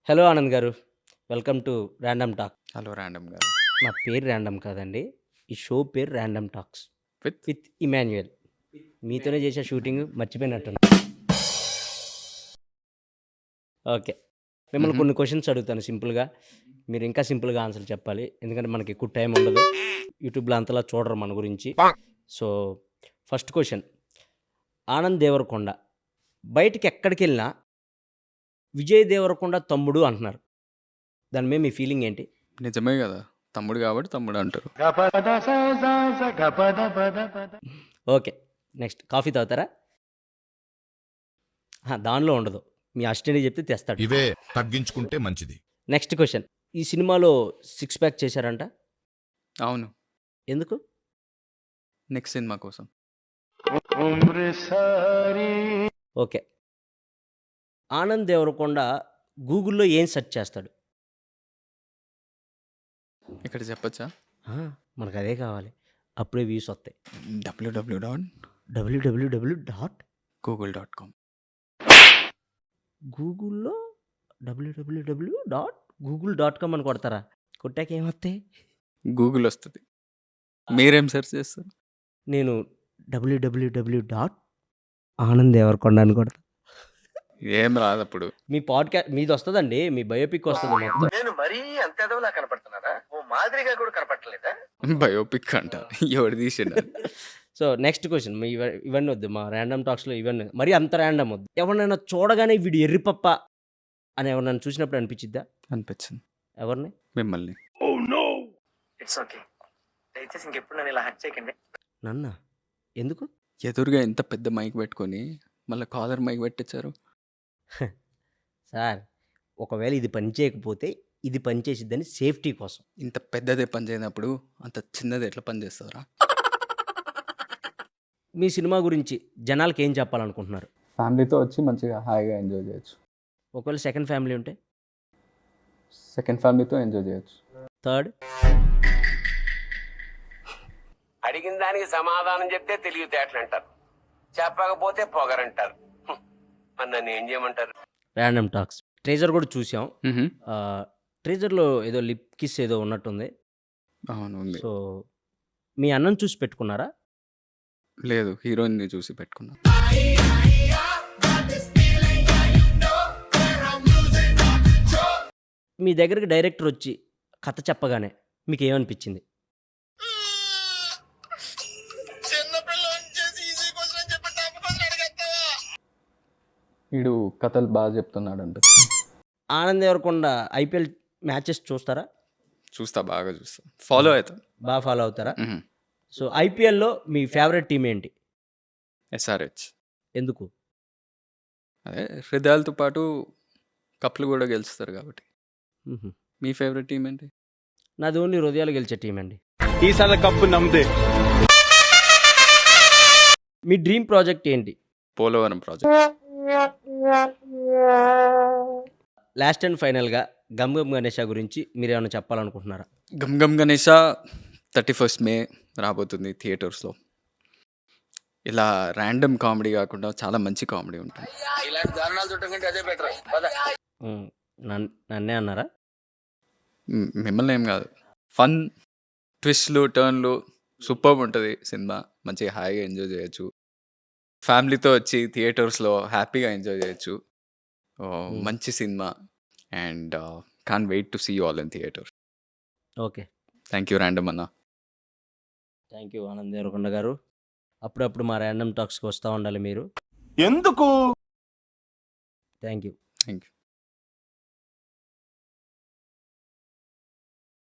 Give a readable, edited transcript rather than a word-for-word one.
Hello Anand garu. Welcome to random talk. Hello random garu. నా పేరు random కాదండి. ఈ షో పేరు random talks with with Emmanuel. మీతోనే చేసే షూటింగ్ మర్చిపోయినట్టున్నా. ఓకే. మిమ్మల్ని కొన్ని క్వెషన్స్ అడుగుతాను సింపుల్‌గా. మీరు ఇంకా సింపుల్‌గా ఆన్సర్ చెప్పాలి. ఎందుకంటే మనకి ఎక్కువ టైం ఉండదు. యూట్యూబ్‌లో అంతలా చూడరు మన గురించి. So, first question. Anand Deverakonda బయటికి ఎక్కడికెళ్ళినా విజయ్ దేవరకొండ తమ్ముడు అంటున్నారు. దాని మీద మీ ఫీలింగ్ ఏంటి? నిజమే గదా! తమ్ముడు గాబట్టి తమ్ముడు అంటారు. ఓకే. నెక్స్ట్ కాఫీ తాగుతారా? దానిలో ఉండదు. మీ అసిస్టెంట్‌కి చెప్తే తెస్తాడు. ఇవే తగ్గించుకుంటే మంచిది. Next question. ఈ సినిమాలో సిక్స్ ప్యాక్ చేశారంట. అవును. ఎందుకు? నెక్స్ట్ సినిమా కోసం. ఓకే. ఆనంద్ దేవరకొండ గూగుల్‌లో ఏం సెర్చ్ చేస్తాడు? ఇక్కడ చెప్పొచ్చా? మనకదే కావాలి. అప్పుడే వ్యూస్ వస్తాయి. www.google.com గూగుల్‌లో www.google.com అని కొడతారా? కొట్టాక ఏమొస్తాయి? గూగుల్ వస్తది. మీరేం సెర్చ్ చేస్తారు? నేను www.ఆనంద్దేవరకొండ అని కొడతా. ఏం రాదప్పుడు. మీ మీదొస్తదండి. మీ బయోపిక్ వస్తది మొత్తం. నేను మరీ అంత ఎదవలా కనపడుతున్నారా? ఓ మాదిరిగా కూడా కనపడట్లేదా? బయోపిక్ అంట. ఎవడు తీసిండు అది? So, next question. ఇవన్నీ వద్దు. మా ర్యాండమ్ టాక్స్‌లో ఇవన్నీ మరీ అంత ర్యాండమ్ వద్దు. ఎవరినైనా చూడగానే వీడు ఎర్రిపప్ప అని ఎవరినైనా చూసినప్పుడు అనిపించిద్దా? అనిపించింది. ఎవరిని? మిమ్మల్ని. It's okay. దయచేసి ఇంకెప్పుడు నన్ను ఇలా హర్ట్ చేయకండి. నన్నా? ఎందుకు? ఎదురుగా ఇంత పెద్ద మైక్ పెట్టుకొని మళ్ళా కాలర్ మైక్ పెట్టించారు. సార్, ఒకవేళ ఇది పని చేయకపోతే ఇది పని చేసిద్దని సేఫ్టీ కోసం. ఇంత పెద్దదే పని చేయనప్పుడు అంత చిన్నది ఎట్లా పని చేస్తారా? మీ సినిమా గురించి జనాలకి ఏం చెప్పాలనుకుంటున్నారు? ఫ్యామిలీతో వచ్చి మంచిగా హాయిగా ఎంజాయ్ చేయొచ్చు. ఒకవేళ సెకండ్ ఫ్యామిలీ ఉంటే? సెకండ్ ఫ్యామిలీతో ఎంజాయ్ చేయొచ్చు. థర్డ్? అడిగిన దానికి సమాధానం చెప్తే తెలివితేటలు అంటారు, చెప్పకపోతే పొగరంటారు. మరి నన్ను ఏం చేయమంటారు? ర్యాండమ్ టాక్స్ ట్రేజర్ కూడా చూసాం. ట్రేజర్లో ఏదో లిప్ కిస్ ఏదో ఉన్నట్టుంది. అవును ఉంది. సో, మీ అన్నను చూసి పెట్టుకున్నారా? లేదు, హీరోయిన్ని చూసి పెట్టుకున్నా. మీ దగ్గరికి డైరెక్టర్ వచ్చి కథ చెప్పగానే మీకు ఏమనిపించింది? వీడు కథలు బాగా చెప్తున్నాడంట. ఆనంద్ దేవరకొండ ఐపీఎల్ మ్యాచెస్ చూస్తారా? చూస్తా, బాగా చూస్తా, ఫాలో అవుతా. బాగా ఫాలో అవుతారా? సో, ఐపీఎల్‌లో మీ ఫేవరెట్ టీం ఏంటి? ఎస్ఆర్హెచ్. ఎందుకు? అదే హృదయాలతో పాటు కప్లు కూడా గెలుస్తారు కాబట్టి. హుహు. మీ ఫేవరెట్ టీం ఏంటి? నాది ఓన్లీ హృదయాలు గెలిచే టీం అండి. ఈసారి కప్పు నమ్మదే. మీ డ్రీమ్ ప్రాజెక్ట్ ఏంటి? పోలవరం ప్రాజెక్ట్. లాస్ట్ అండ్ ఫైనల్‌గా 'గమ్ గమ్ గణేష' గురించి మీరేమైనా చెప్పాలనుకుంటున్నారా? గమ్ గమ్ గణేష 31st May రాబోతుంది థియేటర్స్లో. ఇలా ర్యాండమ్ కామెడీ కాకుండా చాలా మంచి కామెడీ ఉంటుంది. ఇలాంటి దారుణాలు చుట్టం కంటే అదే బెటర్. నన్నే అన్నారా? మిమ్మల్ని ఏం కాదు. ఫన్, ట్విస్ట్లు, టర్న్లు సూపర్బ్ ఉంటుంది సినిమా. మంచిగా హాయిగా ఎంజాయ్ చేయొచ్చు. ఫ్యామిలీతో వచ్చి థియేటర్స్లో హ్యాపీగా ఎంజాయ్ చేయొచ్చు. మంచి cinema and can't wait to see you all in theatres. Okay. Thank you random అన్న. Thank you Anand Deverakonda garu. అప్పుడప్పుడు మా ర్యాండమ్ టాక్స్‌కి వస్తా ఉండాలి మీరు. ఎందుకు? Thank you. Thank you.